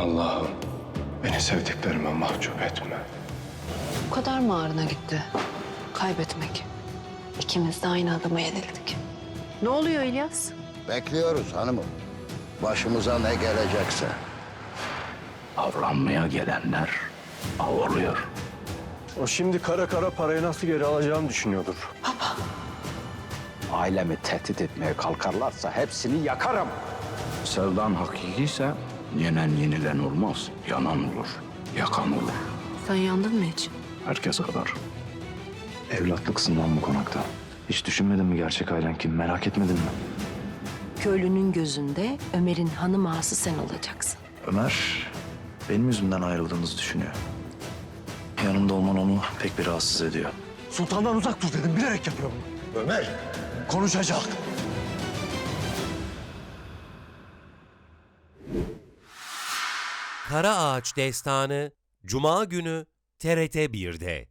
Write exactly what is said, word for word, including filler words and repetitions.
Allah'ım beni sevdiklerime mahcup etme. Bu kadar mı ağrına gitti? Kaybetmek. İkimiz de aynı adama yenildik. Ne oluyor İlyas? Bekliyoruz hanımım. Başımıza ne gelecekse. Avlanmaya gelenler av oluyor. O şimdi kara kara parayı nasıl geri alacağını düşünüyordur. Ailemi tehdit etmeye kalkarlarsa hepsini yakarım. Sevdan hakikiyse yenen yenilen olmaz. Yanan olur, yakan olur. Sen yandın mı hiç? Herkes kadar. Evlatlıksın lan bu konakta. Hiç düşünmedin mi gerçek ailen kim? Merak etmedin mi? Köylünün gözünde Ömer'in hanım ağası sen olacaksın. Ömer benim yüzümden ayrıldığınızı düşünüyor. Yanımda olman onu pek bir rahatsız ediyor. Sultandan uzak dur dedim, bilerek yapıyorum. Ömer! Konuşacak. Kara Ağaç Destanı Cuma günü T R T bir'de.